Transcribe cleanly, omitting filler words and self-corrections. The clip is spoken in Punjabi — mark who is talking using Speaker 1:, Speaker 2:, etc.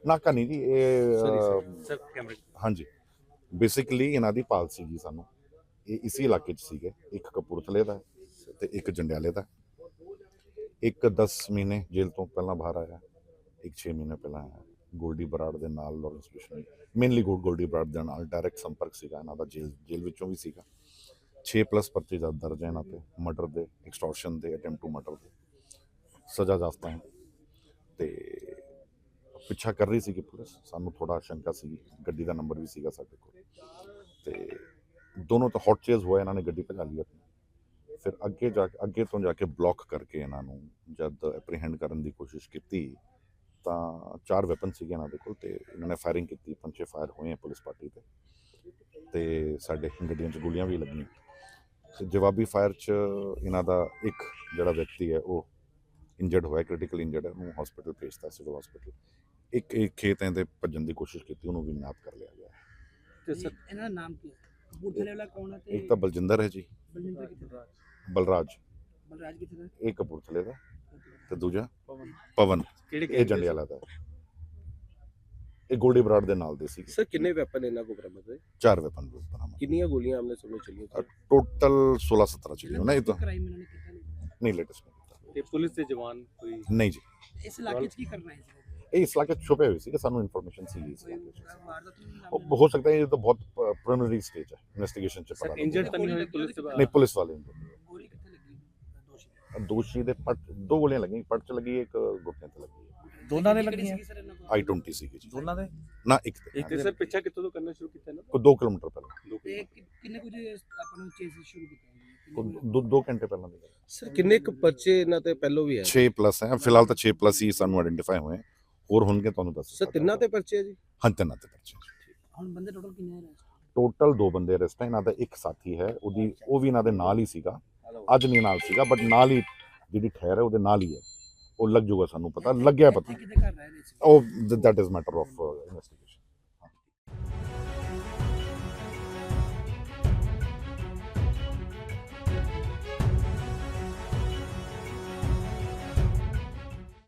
Speaker 1: ਨਾਕਾ ਨਹੀਂ ਜੀ, ਇਹ
Speaker 2: ਸਰ ਕੈਮਰੇ
Speaker 1: ਹਾਂਜੀ ਬੇਸਿਕਲੀ ਇਹਨਾਂ ਦੀ ਪਾਲਸੀ ਜੀ ਸਾਨੂੰ ਇਹ ਇਸੇ ਇਲਾਕੇ 'ਚ ਸੀਗੇ, ਇੱਕ ਕਪੂਰਥਲੇ ਦਾ ਤੇ ਇੱਕ ਜੰਡਿਆਲੇ ਦਾ। ਇੱਕ 10 ਮਹੀਨੇ ਜੇਲ੍ਹ ਤੋਂ ਪਹਿਲਾਂ ਬਾਹਰ ਆਇਆ, ਇੱਕ 6 ਮਹੀਨੇ ਪਹਿਲਾਂ ਆਇਆ। ਗੋਲਡੀ ਬਰਾੜ ਦੇ ਨਾਲ ਲਾਰੈਂਸ ਬਿਸ਼ਨੋਈ, ਮੇਨਲੀ ਗੋਲਡੀ ਬਰਾੜ ਦੇ ਨਾਲ ਡਾਇਰੈਕਟ ਸੰਪਰਕ ਸੀਗਾ ਇਹਨਾਂ ਦਾ, ਜੇਲ੍ਹ ਵਿੱਚੋਂ ਵੀ ਸੀਗਾ। 6+ ਪਰਚੇ ਦਰਜ ਹੈ ਇਹਨਾਂ ਤੇ, ਮਰਡਰ ਦੇ, ਐਕਸਟੋਰਸ਼ਨ ਦੇ, ਅਟੈਂਪਟ ਟੂ ਮਰਡਰ ਦੇ, ਸਜ਼ਾ ਯਾਫਤਾ ਹੈ। ਤੇ ਪਿੱਛਾ ਕਰ ਰਹੀ ਸੀਗੀ ਪੁਲਿਸ, ਸਾਨੂੰ ਥੋੜਾ ਸ਼ੰਕਾ ਸੀ, ਗੱਡੀ ਦਾ ਨੰਬਰ ਵੀ ਸੀਗਾ ਸਾਡੇ ਕੋਲ, ਤੇ ਦੋਨੋਂ ਤਾਂ ਹੌਟ ਚੇਜ਼ ਹੋਇਆ, ਇਹਨਾਂ ਨੇ ਗੱਡੀ ਭਜਾ ਲਈ ਆਪਣੀ। ਫਿਰ ਅੱਗੇ ਤੋਂ ਜਾ ਕੇ ਬਲੌਕ ਕਰਕੇ ਇਹਨਾਂ ਨੂੰ ਜਦ ਐਪਰੀਹੈਂਡ ਕਰਨ ਦੀ ਕੋਸ਼ਿਸ਼ ਕੀਤੀ ਤਾਂ 4 ਵੈਪਨ ਸੀਗੇ ਇਹਨਾਂ ਦੇ ਕੋਲ, ਤੇ ਇਹਨਾਂ ਨੇ ਫਾਇਰਿੰਗ ਕੀਤੀ, 5-6 ਫਾਇਰ ਹੋਏ ਆ ਪੁਲਿਸ ਪਾਰਟੀ ਤੇ ਸਾਡੇ ਗੱਡੀਆਂ 'ਚ ਗੋਲੀਆਂ ਵੀ ਲੱਗੀਆਂ। ਤੇ ਜਵਾਬੀ ਫਾਇਰ 'ਚ ਇਹਨਾਂ ਦਾ ਇੱਕ ਜਿਹੜਾ ਵਿਅਕਤੀ ਹੈ ਉਹ ਇੰਜਰਡ ਹੋਇਆ, ਕ੍ਰਿਟੀਕਲ ਇੰਜਰਡ ਹੈ, ਉਹਨੂੰ ਹਸਪੀਟਲ ਭੇਜਤਾ, ਸਿਵਲ ਹਸਪੀਟਲ। ਇੱਕ ਖੇਤ ਦੇ ਭੱਜਣ ਦੀ ਕੋਸ਼ਿਸ਼ ਕੀਤੀ, ਉਹਨੂੰ ਵੀ ਨਾਪ ਕਰ ਲਿਆ ਗਿਆ।
Speaker 2: ਤੇ ਸਰ
Speaker 3: ਇਹਨਾਂ ਦਾ ਨਾਮ ਕੀ ਹੈ? ਕਪੂਰਥਲੇ ਵਾਲਾ ਕੌਣ ਹੈ?
Speaker 1: ਇੱਕ ਤਾਂ ਬਲਜਿੰਦਰ ਹੈ ਜੀ,
Speaker 3: ਬਲਜਿੰਦਰ ਕਿੱਥੇ ਦਾ?
Speaker 1: ਬਲਰਾਜ
Speaker 3: ਬਲਰਾਜ ਕਿੱਥੇ ਦਾ?
Speaker 1: ਇਹ ਕਪੂਰਥਲੇ ਦਾ, ਤੇ ਦੂਜਾ ਪਵਨ ਇਹ ਜੰਡਿਆਲਾ ਦਾ। ਇਹ ਗੋਲਡੀ ਬਰਾੜ ਦੇ ਨਾਲ ਦੇ ਸੀ।
Speaker 2: ਸਰ ਕਿੰਨੇ ਵੈਪਨ ਇਹਨਾਂ ਕੋਲ ਬਰਾਮਦ ਹੋਏ?
Speaker 1: 4 ਵੈਪਨ ਬਰਾਮਦ,
Speaker 2: ਕਿੰਨੀਆਂ ਗੋਲੀਆਂ ਆਮਨੇ ਸਾਹਮਣੇ ਚੱਲੀਆਂ?
Speaker 1: ਟੋਟਲ 16-17 ਚੀਜ਼ਾਂ ਨਹੀਂ ਤਾਂ
Speaker 3: ਕ੍ਰਾਈਮ ਇਹਨਾਂ ਨੇ ਕੀਤਾ
Speaker 1: ਨਹੀਂ ਲੇਟੈਸਟ ਨਹੀਂ ਕੀਤਾ।
Speaker 2: ਤੇ ਪੁਲਿਸ ਦੇ ਜਵਾਨ ਕੋਈ
Speaker 1: ਨਹੀਂ ਜੀ,
Speaker 3: ਇਸ ਇਲਾਕੇ 'ਚ ਕੀ ਕਰਨਾ ਹੈ?
Speaker 1: ਇਹ ਇਸ ਇਲਾਕੇ 'ਚ ਛੁਪੇ ਹੋਏ ਸੀ ਕਿ ਸਾਨੂੰ ਇਨਫੋਰਮੇਸ਼ਨ ਸੀ ਇਸ ਇਲਾਕੇ 'ਚ।
Speaker 3: ਵਾਰਦਾਤ ਨੂੰ
Speaker 1: ਉਹ ਹੋ ਸਕਦਾ ਹੈ, ਇਹ ਤਾਂ ਬਹੁਤ ਪ੍ਰੀਲਿਮਿਨਰੀ ਸਟੇਜ ਹੈ ਇਨਵੈਸਟੀਗੇਸ਼ਨ 'ਚ ਪਤਾ
Speaker 2: ਸਰ ਇੰਜਰਡ ਤਾਂ ਨਹੀਂ ਹੋਏ ਪੁਲਿਸ ਦੇ
Speaker 1: ਨਹੀਂ, ਪੁਲਿਸ ਵਾਲੇ
Speaker 3: ਗੋਲੀ ਕਿੱਥੇ ਲੱਗੀ ਦੋਸ਼ੀ?
Speaker 1: ਦੋਸ਼ੀ ਦੇ ਪੱਟ 2 ਗੋਲੀਆਂ ਲੱਗੀਆਂ, ਪੱਟ 'ਚ ਲੱਗੀ, ਇੱਕ ਗੁੱਟੇ 'ਤੇ ਲੱਗੀ।
Speaker 4: ਦੋਨਾਂ ਨੇ ਲੱਗੀਆਂ?
Speaker 1: I-20 ਸੀਗੀ ਜੀ
Speaker 4: ਦੋਨਾਂ ਦੇ?
Speaker 1: ਨਾ, ਇੱਕ ਤੇ
Speaker 2: ਇੱਕ ਸਰ ਪਿੱਛਾ ਕਿੱਥੋਂ ਤੋਂ ਕਰਨਾ ਸ਼ੁਰੂ ਕੀਤਾ ਨਾ?
Speaker 1: ਕੋਈ 2 ਕਿਲੋਮੀਟਰ ਪਹਿਲਾਂ,
Speaker 3: ਤੇ ਕਿੰਨੇ ਕੁ ਜੇ ਆਪਾਂ ਨੂੰ ਚੇਸ ਸ਼ੁਰੂ ਕੀਤਾ?
Speaker 1: 2 ਘੰਟੇ ਪਹਿਲਾਂ ਦੀ ਗੱਲ।
Speaker 2: ਸਰ ਕਿੰਨੇ ਕੁ ਪਰਚੇ ਇਹਨਾਂ ਤੇ ਪਹਿਲੋਂ ਵੀ ਹੈ?
Speaker 1: 6+ ਹੈ ਫਿਲਹਾਲ ਤਾਂ 6+ ਹੀ ਸਾਨੂੰ ਆਇਡੈਂਟੀਫਾਈ ਹੋਏ, ਹੋਰ ਹੋਣਗੇ ਤੁਹਾਨੂੰ ਦੱਸ।
Speaker 2: ਸਰ ਤਿੰਨਾਂ ਤੇ ਪਰਚੇ ਹੈ ਜੀ?
Speaker 1: ਹਾਂ, ਤਿੰਨਾਂ ਤੇ ਪਰਚੇ।
Speaker 3: ਹੁਣ ਬੰਦੇ ਟੋਟਲ ਕਿੰਨੇ ਹੈ?
Speaker 1: ਟੋਟਲ 2 ਬੰਦੇ ਅਰੈਸਟ ਹੈ। ਇਹਨਾਂ ਦਾ ਇੱਕ ਸਾਥੀ ਹੈ, ਉਹ ਵੀ ਇਹਨਾਂ ਦੇ ਨਾਲ ਹੀ ਸੀਗਾ, ਅੱਜ ਨਹੀਂ ਨਾਲ ਸੀਗਾ ਬਟ ਨਾਲ ਹੀ ਜਿਹੜੀ ਠਹਿਰ ਹੈ ਉਹਦੇ ਨਾਲ ਹੀ ਹੈ। ਉਹ ਲੱਗ ਜਾਊਗਾ, ਸਾਨੂੰ ਪਤਾ ਲੱਗਿਆ, ਪਤਾ
Speaker 3: ਕਿਤੇ ਘਰ ਰਹਿ ਰਹੇ ਸੀ?
Speaker 1: ਉਹ ਦੈਟ ਇਜ਼ ਮੈਟਰ ਆਫ